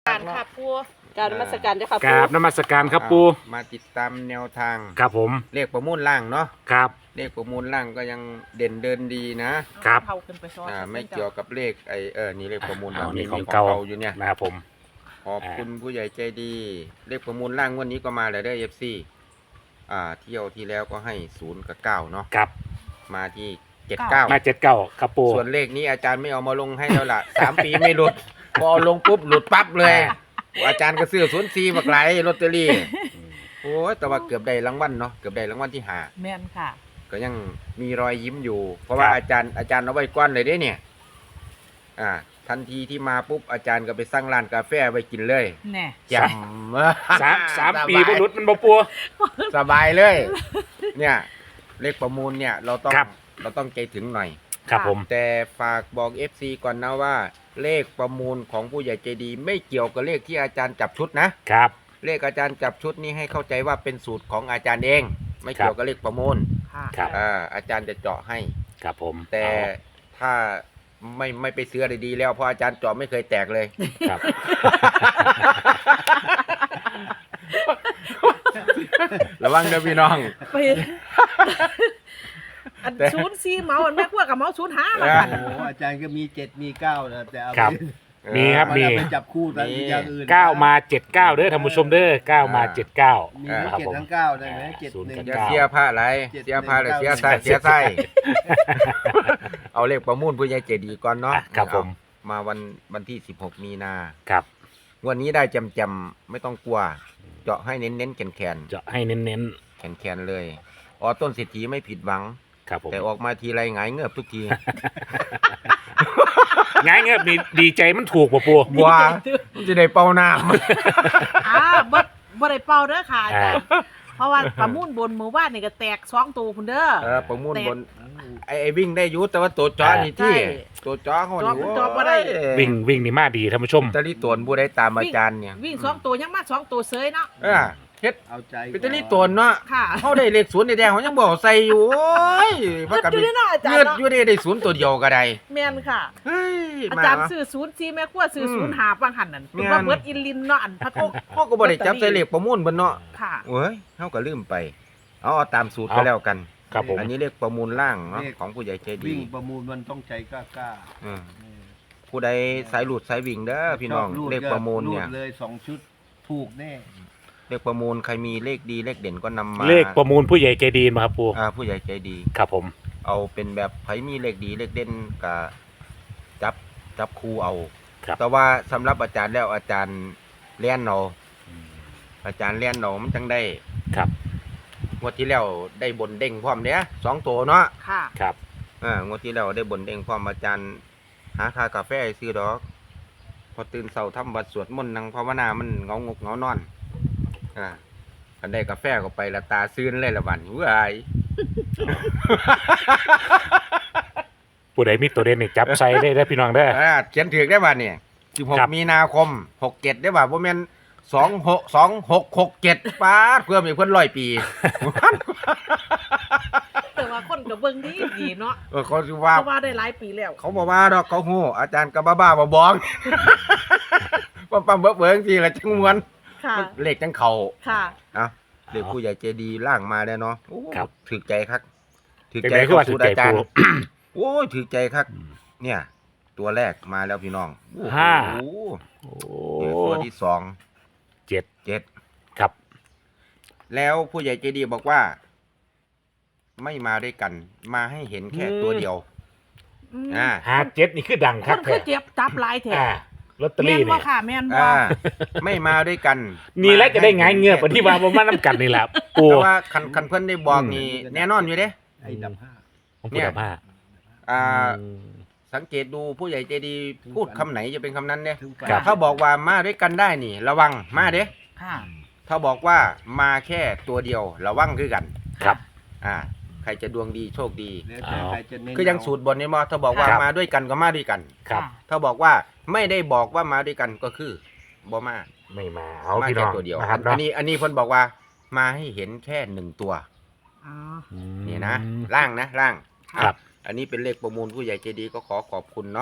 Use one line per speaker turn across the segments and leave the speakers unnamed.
การค่ะปู
การนมัสการเจ้าค่ะ
กราบนมัสการครับปู
มาติดตามแนวทาง
ครับผม
เลขประมูลล่างเนาะ
ครับ
เลขประมูลล่างก็ยังเด่นเดินดีนะครับ
เท่าขึ้นไปซ้อน
ไม่เกี่ยวกับเลขนี่เลขประมูล
เอา
มี
นี่ของ
ของ
เก่า
เก่าอยู่เนี่ย
นะครับผม
ขอบคุณผู้ใหญ่ใจดี เลขประมูลล่างวันนี้ก็มาแล้วได้เอฟซีเที่ยวที่แล้วก็ให้0 กับ 9เนาะ
ครับ
มาที่79
มา79ครับปู
ส่วนเลขนี้อาจารย์ไม่เอามาลงให้แล้วล่ะ 3 ปีไม่หลุดพอเอาลงปุ๊บหลุดปั๊บเลยอาจารย์ก็ซื้อ04บักไหลลอตเตอรี่โอ้ยแต่ว่าเกือบได้รางวัลเนาะเกือบได้รางวัลที่ห้า
แม่นค่ะ
ก็ยังมีรอยยิ้มอยู่ เพราะว่าอาจารย์เอาไว้ก้อนเลยเด้เนี่ยทันทีที่มาปุ๊บอาจารย์ก็ไปสร้างร้านกาแฟไว้กินเลย
แน่
จ
สามปีบ่หลุดมันบ่ปู
สบายเลย เนี่ยเลขประมูลเนี่ยเราต้องใจถึงหน่อย
ครับผม
แต่ฝากบอก FC ก่อนนะว่า เลขประมูลของผู้ใหญ่ใจดี ไม่เกี่ยวกับเลขที่อาจารย์จับชุดนะ
ครับ
เลขอาจารย์จับชุดนี้ให้เข้าใจว่าเป็นสูตรของอาจารย์เอง ไม่เกี่ยวกับเลขประมูล
ค่ะ
ครับ
อาจารย์จะเจาะให้
ครับผม
แต่ถ้าไม่ไปซื้ออะไรดีแล้วเพราะอาจารย์เจาะไม่เคยแตกเลย
ครับ
ระวังเด้อพี่น้อง
ไปอัน04เมาอันแม่ขั้วกับเมา05มากัน
โอ้โหอาจารย์ก็มี7มี9นะแต่เอา
ครับ มีครับ
มัน
มี
เอาไปจับคู่แต่อย่างอื่น
9มา79เด้อท่านผู้ชมเด้อ9มา79
มีทั้ง
ครับ
7
ผม
ทั้ง9ได้ไหม
ศูนย์
7
กับ
1
อย่า
เก้า
เสียผ้าอะไรเสียผ้าเลยเสียไส้เสียไส้เอาเลขประมูลผู้ใหญ่ใจดีก่อนเนาะ
ครับผม
มาวันที่16มีนา
ครับ
วันนี้ได้จำไม่ต้องกลัว เจาะให้เน้นๆแขน
เจาะให้เน้น
แขนเลยต้นเศรษฐีไม่ผิดหวัง
ๆครับผม
แต่ออกมาทีไรหงายเงือบทุกที
ง่ายเงี้ยดีใจมันถูกป่ะปู
ว้ามันจะได้เป่าน้
บ่ได้เป่าเด้อค่ะอาจารย์เพราะว่าประมูลบนหมู่บ้านนี่ก็แตก2ตัวพุ่นเด้อ
ำประมูลบนไอ้วิ่งได้อยุแต่ว่าตัวจ้อนี่ที่
ใช่
ตัวจ้อเขา
จ้อ
นี่
จ้อบ่ได้
วิ่งนี่มาดีท่านผู้ชม
ตะลี่ตวนผู้ได้ตามอาจารย์เนี่ย
วิ่ง2ตัวยังมา2ตัวเซยเนาะ
เฮ็ด
เอาใจ
เป็นตะลี่ตวนเนาะ
ค่ะ
เขาได้เลขศูนย์แดงเขายังบอกใส่อยู่โอ้ยว่ากัน
เงินอยู่เนาะอาจารย์
เงือด
เนาะ
อยู่ได้ศูนย์ตัวเดียวก็ได้
แม่นค่ะ
เฮ้ย
อาจารย์ซื้อ04แม่ขั้วซื้อ05ปังหันนั่นเพิ่นว่าเบิดอินลินเนาะอันพระโทษ
เขาก็บ่ได้จับใส่เลขประมูลเบิ่นเนาะ
ค่ะ
เว้ยเขาก็ลืมไปเอาตามสูตรก็แล้วกัน
ครับผม
อันนี้เลขประมูลล่างเนาะของผู้ใหญ่ใจดี
วิ่งประมูลมันต้องใจกล้า
อืมผู้ใดสายหลุดสายวิ่งเด้อ
ๆ
พี่น้อง
ชบ
เลขประมูลเนี่ย
รูดเลย2 ชุดถูกแน่
เลขประมูลใครมีเลขดีเลขเด่นก็นำมา
เลขประมูลผู้ใหญ่ใจดีมาครับปู
ผู้ใหญ่ใจดี
ครับผม
เอาเป็นแบบไผมีเลขดีเลขเด่นกับจับคู่เอา
ครับ
แต่ว่าสำหรับอาจารย์แล้วอาจารย์เลี้ยนเอาอาจารย์เลี้ยนเอามันจังได้
ครับ
งวดที่แล้วได้บนเด้งพร้อมเนี้ย2 ตัวเนาะ
ค่ะ
ครับ
งวดที่แล้วได้บนเด้งพร้อมอาจารย์หาค่ากาแฟให้ซื้อดอก พอตื่นเช้าทำวัดสวดมนต์นั่งภาวนามันเหงางกเหงานอนอันได้กาแฟก็ไปละตาซื่นเลยละวันเว้ย
ผู้ใดมีตัวเด่นนี่จับใส่ได้พี่น้องเด้อ
เขียนถือได้บ่เนี่ย
ครับ
16มีนาคม67ได้บ่บ่แม่น2667ป๊าดเพิ่มอีกเพิ่น100 ปี
แต่ว่าคนก็เบิ่งดีเนาะ
เขาสิว่า
เพราะว่าได้หลายปีแล้ว
เขาบอกว่าดอกเขาฮู้อาจารย์ก็บ้าๆบองๆ ปั๊มๆเบิ่งๆทีละจังมวน
ค่ะ
เลขจังเข้า
ค่ะ
เด็กผู้ใหญ่ใจดีล่างมาแล้วเนาะโอ้
ครับ
ถือใจครับถือ
เป็น
ใจ
ไงคือว่า
เข้
ถือใจ
อาจาร
ปู
ย์โอ้ยถือใจครับ เนี่ย ตัวแรกมาแล้วพี่น้องโอ้โ
ห้า
ห
โอ้
เนี่ยตัวที่2
เจ็ด
7
ครับ
แล้วผู้ใหญ่ใจดีบอกว่า ไม่มาด้วยกัน มาให้เห็นแค่ตัวเดียว
อืม
57นี่คือดัง
ค
คั
น
ก
เค
แท้
ยเจ็บจับหลายแถ
อ่าลอตเตอ
แม่
รี่
นบ่
นี่
ค่ะแม่นบ่
ไม่มาด้วยกัน
นี่แหละจะได้ง่ายเงือบที่ว่าบ่มานํกันนี่ล่ะปู
แต่ว่าคันเพิ่นได้บอกนี่แน่นอนอยู่เด้
ไอ้ดับ
ของผู้ดับห้า
อ่า สังเกตดูผู้ใหญ่ใจดีพูดคำไหนจะเป็นคำนั้นเนี่ย
5ถึง
ครับ
ถ้าบอกว่ามาด้วยกันได้นี่ ระวังมาเด้
ค่ะ
ถ้าบอกว่ามาแค่ตัวเดียวระวังคือกัน
ครับ
ใครจะดวงดีโชคดี
แล้วแต่ใครจะเน้น
คือยังสูตรบนนี้มอถ้าบอกว่า
ครับ
มาด้วยกันก็มาด้วยกัน
ครับ
ถ้าบอกว่าไม่ได้บอกว่ามาด้วยกันก็คือบ่มา
ไม่มาเอา
มา
พี่น้
แค่
อง
ตัวเดียว
นะครับ
อั
เนาะ
นนี้เพิ่นบอกว่ามาให้เห็นแค่1 ตัว
อ๋อ
นี่นะล่างนะล่าง
ครับ
อันนี้เป็นเลขประมูลผู้ใหญ่ใจดีก็ขอบคุณเนาะ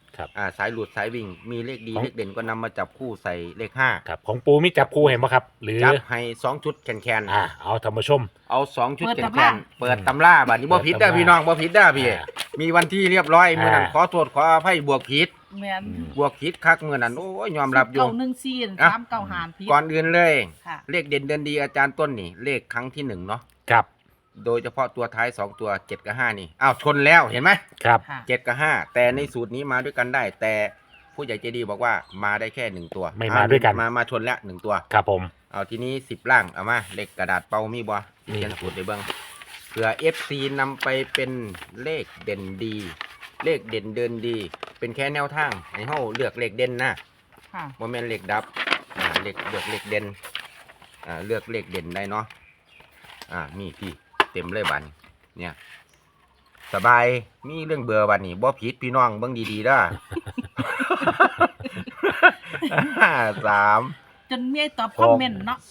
ครับ
สายหลุดสายวิ่งมีเลขดี
ของ
เลขเด่นก็นำมาจับคู่ใส่เลขห้า
ครับของปูมีจับคู่เห็นไหมครับ หรือ
จับให้2ชุดแคนๆ
เอาท่านผู้ชม
เอา2ชุด
เปิด
แคน
ตำรา
ๆเปิดตำราบัดนี้บ่ผิดเด้อ
เปิดตำรา
พี่น้องบ่ผิดเด้อพี่
อ่า
มีวันที่เรียบร้อยมื้อนั้น
อ่า
ขอโทษขออภัยบวกผิด
แม่น
บวกผิดคักมื้อนั้นโอ้ยยอมรับอยู่
914
อ่ะ
3 9หารพิษ
ก่อนอื่นเลย
ค่ะ
เลขเด่นเดินดีอาจารย์ต้นนี่ เลขครั้งที่1เนาะ
ครับ
โดยเฉพาะตัวท้าย2ตัว7กับ5นี่อ้าวชนแล้วเห็นไหม
ครับ
ค่ะ
7กับ5แต่ในสูตรนี้มาด้วยกันได้ แต่ผู้ใหญ่ใจดีบอกว่ามาได้แค่1ตัว
ไม่มาด้วยกัน
มาชนแล้ว1ตัว
ครับผม
เอาทีนี้10ล่างเอามาเลขกระดาษเป่ามีบ่
มี
เขียนสูตรในเบื้องเผื่อ FC นำไปเป็นเลขเด่นดี เลขเด่นเดินดี เป็นแค่แนวทางให้เฮาเลือกเลขเด่นนะ
ค่ะ
บ่แม่นเลขดับเลขเลือกเลขเด่นเลือกเลขเด่นได้เนาะมีพี่เต็มเลยบัดนี้เนี่ยสบายมีเรื่องเบื่อบัดนี้บ่ผิดพี่น้องเบิ่งดีๆเด้อ 3
จนเมียตอบคอมเมนต์เนาะ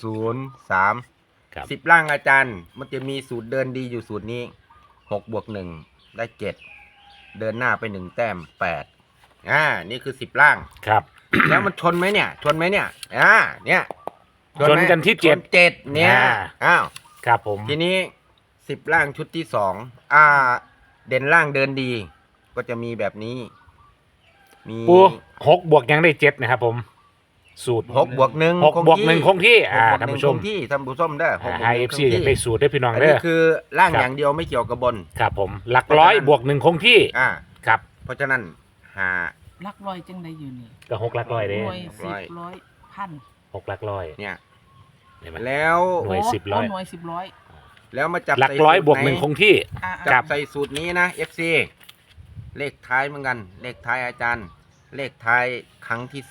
0
ครับ
3 10ล่างอาจารย์ มันจะมีสูตรเดินดีอยู่สูตรนี้6บวก1ได้7เดินหน้าไป1แต้ม8นี่คือ10ล่าง
ครับ
แล้วมันชนไหมเนี่ยชนไหมเนี่ยเนี่ย
ชนกันที่เจ็ด
ชน7เนี่ยอ้าว
ครับผม
ทีนี้10ล่างชุดที่2เด่นล่างเดินดี ก็จะมีแบบนี้ มี
ปู6 บวกยังได้7นะครับผม สูตร
6บวก1
6 บวก 1 คงที่
6บวก
ท่าน
1
ผู้ชม
คงที่ท่านผู้ชมเด้อ6บวก
ให้
1
FC
คงที่
ได้สูตรได้พี่น้อง
อัน
เด้
นี้
อ
คือล่าง
ครับ
อย่างเดียวไม่เกี่ยวกับบน
ครับผมหลักร้อยบวก 1 คงที่ ครับ
เพราะฉะนั้นหา
ลักลอยจังไดอยู่นี่
ก็6หลักร้อยเด้
หน่วย
ร้อย
10ร้อยพัน
6หลักร้อย
เนี่ย
เห็นไหม
แล้ว
หน่วย
โอ้
10ร้อย
หน่วย10ร้อย
แล้วมาจับ
หลัก
ใส่
ร้อย
สูต
บวก
ไห
1 คงที่
จั
ครับ บ
ใส่สูตรนี้นะ FC เลขท้ายเหมือนกัน เลขท้ายอาจารย์ เลขท้ายครั้งที่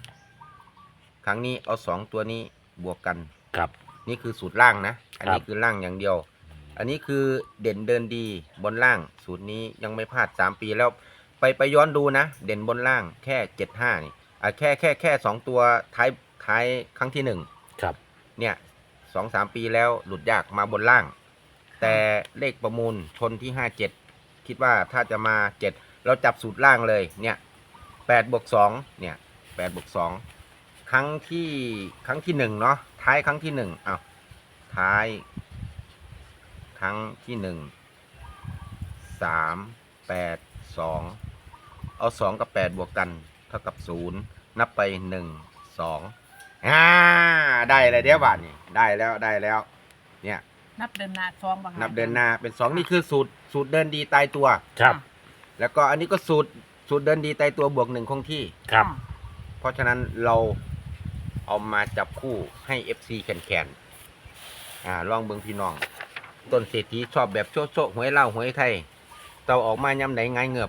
3ครั้งนี้เอา2ตัวนี้บวกกัน
ครับ
นี่คือสูตรล่างนะ อันนี้
ครับ
คือล่างอย่างเดียว อันนี้คือเด่นเดินดีบนล่าง สูตรนี้ยังไม่พลาด3ปีแล้วไปย้อนดูนะ เด่นบนล่างแค่75นี่แค่2ตัวท้ายครั้งที่1
ครับ
เนี่ย2-3 ปีแล้วหลุดยากมาบนล่าง แต่เลขประมูลชนที่57คิดว่าถ้าจะมา7เราจับสูตรล่างเลยเนี่ย8บวก2เนี่ย8บวก2ครั้งที่1เนาะท้ายครั้งที่1อ้าวท้ายครั้งที่1 3 8 2เอา2กับ8บวกกันเท่ากับ0นับไป1 2ได้เลยเดี๋ยวบาทนี่ได้แล้วเนี่ย
นับเดินหน้าซองบ่คะ
นับเดินหน้าเป็น2นี่คือสูตรเดินดีตายตัว
ครับ
แล้วก็อันนี้ก็สูตรเดินดีตายตัวบวก1คงที่
ครับ
เพราะฉะนั้นเราเอามาจับคู่ให้ FC แคนลองเบิ่งพี่น้อง ต้นเศรษฐีชอบแบบโชะหวยเล่าหวยไทยเตาออกมายำไหนไงเงือบ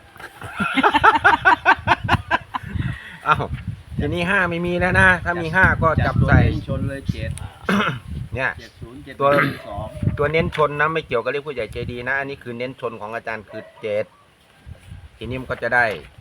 อ้าวทีนี้5ไม่มีแล้วนะ ถ้ามี5ก็จับ
ตัว
ใส่
เน้นชนเลย7
เนี่ย
70
ตัว
7
ตัวเน้นชนนะไม่เกี่ยวกับเลขผู้ใหญ่ใจดีนะ อันนี้คือเน้นชนของอาจารย์คือ7ทีนี้มันก็จะได้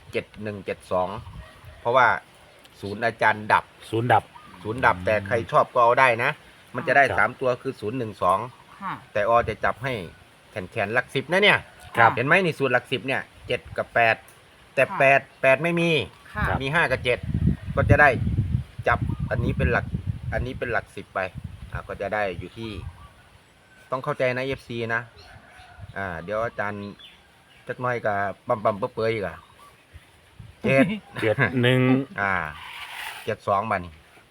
7172เพราะว่าศูนย์อาจารย์ดับ
ศูนย์ดับ
แต่ใครชอบก็เอาได้นะ มันจะได้
ครับ
3ตัวคือ012
ค่ะ
แต่อจะจับให้แขนหลัก10นะเนี่ย
ครับ
เห็นไหมนี่สูตรหลัก10เนี่ย7กับ8แต่
ค่ะ
8ไม่มี
ค่ะ
ครับ
มี5กับ7ก็จะได้จับอันนี้เป็นหลัก10ไปก็จะได้อยู่ที่ ต้องเข้าใจนะ FC นะเดี๋ยวอาจารย์จักหน้อยกับปั๊มเปื่อยอีก7
71
72บัดนี้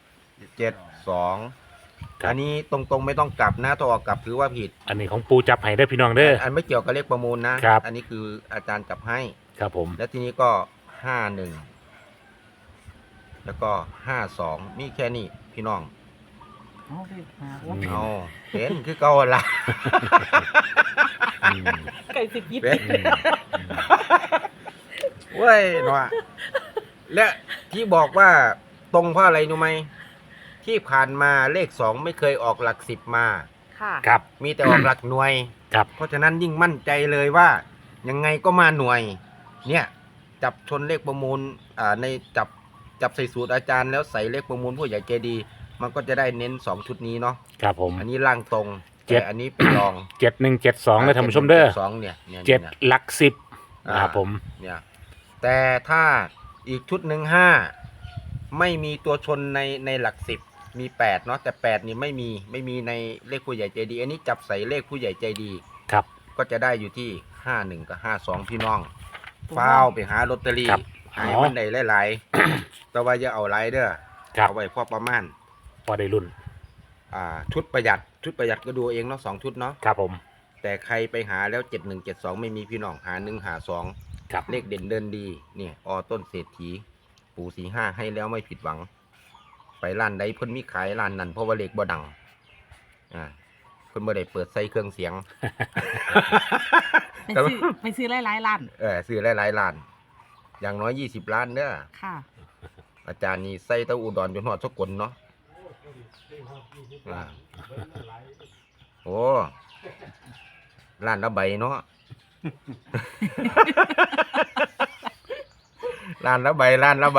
72
ครับ
อันนี้ตรงๆไม่ต้องกลับนะถ้าออกกลับถือว่าผิด
อันนี้ของปูจับให้ได้อพี่น้องเด้อ
อันไม่เกี่ยวกับเลขประมูลนะครับ อันนี้คืออาจารย์จับให้
ครับผม
แล้วทีนี้ก็51แล้วก็52มีแค่นี้พี่น้อง
เอาดิหาโอ้
เอาเป็นคือเก่าหั่นละ
อืม
ไก่สิกิด
เป็นเว้ยหนอและที่บอกว่าตรงเพราะอะไรรู้ไหมที่ผ่านมาเลข2ไม่เคยออกหลัก10มา
ค่ะ
ครับ
มีแต่ออกหลักหน่วย
ครับ
เพราะฉะนั้นยิ่งมั่นใจเลยว่ายังไงก็มาหน่วย เนี่ยจับชนเลขประมูลในจับใส่สูตรอาจารย์แล้วใส่เลขประมูลผู้ใหญ่ใจดี มันก็จะได้เน้น2ชุดนี้เนาะ
ครับผม
อันนี้ล่างตรง
เจ็ด
แต่อันนี้เป็นรอง
7172เลยท่านผู้ชมเด้อ
สองเนี่ย
7หลัก10นะครับผม
เนี่ยแต่ถ้าอีกชุดหนึ่ง5ไม่มีตัวชนในหลัก10มี8เนาะแต่8นี่ไม่มีในเลขผู้ใหญ่ใจดี อันนี้จับใส่เลขผู้ใหญ่ใจดี
ครับ
ก็จะได้อยู่ที่51กับ52พี่น้องฟ้าวไปหาลอตเตอรี่
ครับ
หายมันได้หลายๆ แต่ว่าอย่าเอาหลายเด้อ
ครับ
เอาไว้พอประมาณ
พอได้รุ่น
ชุดประหยัดก็ดูเองเนาะ2ชุดเนาะ
ครับผม
แต่ใครไปหาแล้ว7172ไม่มีพี่น้องหา1หา2
ครับ
เลขเด่นเดินดีเนี่ยต้นเศรษฐีปู่45ให้แล้วไม่ผิดหวัง ไปร้านใดเพิ่นมีขายร้านนั้นเพราะว่าเลขบ่ดังเพิ่นบ่ได้เปิดใส่เครื่องเสียง
ไปซื้อหลายๆล้าน
ซื้อหลายๆล้าน อย่างน้อย20ล้านเด้อ
ค่ะ
อาจารย์นี่ใส่เต้าอุดรจนฮอดสกลเนาะโอ้ล้านละใบเนาะ ล้านละใบ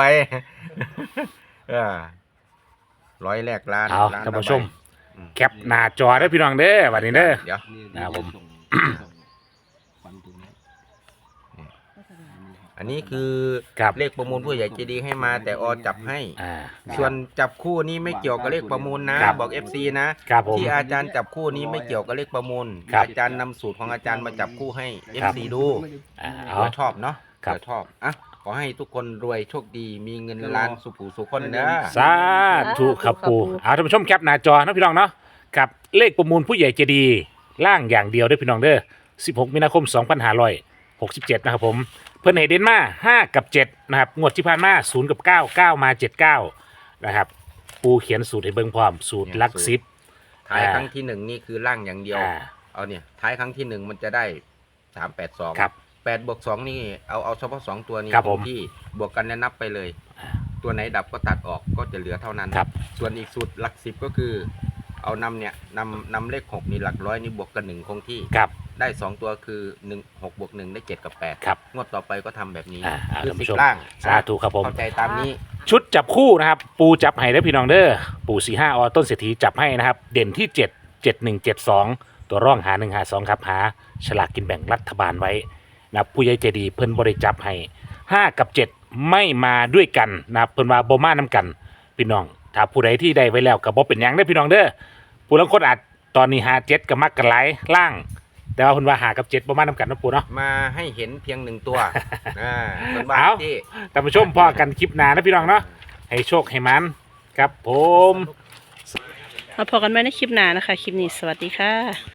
ร้อยแรกล้าน
เอา
ล้
ท่าน
ละ
ผู้ชม
ใบ
แคปหน้าจอได้อพี่น้องเด้อวันนี้เด้อ
เดี๋ยว
นี่
ครับผม
ส่งฟันตรงนี้
อันนี้คือ
ครับ
เลขประมูลผู้ใหญ่ใจดีให้มา แต่จับให้
นะครับ
ส่วนจับคู่นี้ไม่เกี่ยวกับเลขประมูลนะ
ครับ
บอก FC นะ
ครับผม
ที่อาจารย์จับคู่นี้ไม่เกี่ยวกับเลขประมูล
ครับ
อาจารย์นำสูตรของอาจารย์มาจับคู่ให้
ครับ
FC ดู
เอา
เผื่อชอบเนาะ
ครับ
เผื่อชอบอ่ะขอให้ทุกคนรวยโชคดีมีเงินล้านสุขสุขคนเด้อ
สาธุครับปูเอาท่านผู้ชมแคปหน้าจอนะพี่น้องเนาะกับเลขประมูลผู้ใหญ่ใจดีล่างอย่างเดียวเด้อพี่น้องเด้อ16มีนาคม2567นะครับผมเพิ่นให้เด่นมา5กับ7นะครับงวดที่ผ่านมา0กับ9 9มา79นะครับปูเขียนสูตรให้เบิ่งพร้อมสูตรหลัก10
ท้ายครั้งที่หนึ่งนี่คือล่างอย่างเดียว
อ่า
เอาเนี่ยท้ายครั้งที่หนึ่งมันจะได้382
ครับ
8 บวก 2 นี่เอาเฉพาะ 2 ตัวนี้
ครับผม
ที่บวกกันแล้วนับไปเลย ตัวไหนดับก็ตัดออกก็จะเหลือเท่านั้น
ครับ
ส่วนอีกสูตรหลัก10ก็คือ เอานำเลข6นี่หลักร้อยนี่บวกกัน1คงที่
ครับ
ได้ 2 ตัวคือ1 6บวก1ได้7กับ8
ครับ
งวดต่อไปก็ทำแบบนี้
เอา
คือ
ท่านผู้
สิ
ช
บ
ม
ล่าง
สาธุครับผม
เข้าใจตามนี้
ชุดจับคู่นะครับปูจับให้ได้อพี่น้องเด้อปู่45ต้นเศรษฐีจับให้นะครับเด่นที่7 7172ตัวร่องหา1หา2ครับหาฉลากกินแบ่งรัฐบาลไว้นะครับผู้ใหญ่ใจดีเพิ่นบริจับให้5กับ7ไม่มาด้วยกันนะครับเพิ่นว่าบ่มานํกันพี่น้องถ้าผู้ใดที่ได้ไว้แล้วก็บ่เป็นหยังเด้อพี่น้องเด้อผู้ลางคนอาจตอนนี้หา7ก็มักกันหลายล่าง แต่ว่าเพิ่นว่าหากับ7บ่มานํกันเนาะปู่เนาะ
มาให้เห็นเพียง1 ตัวเป็นบ้า
เอา
นที่
ท่านผู้ชมพอกันคลิปหน้านะพี่น้องเนาะให้โชคให้มันครับผม
มาพบกันไว้ในคลิปหน้านะคะ คลิปนี้สวัสดีค่ะ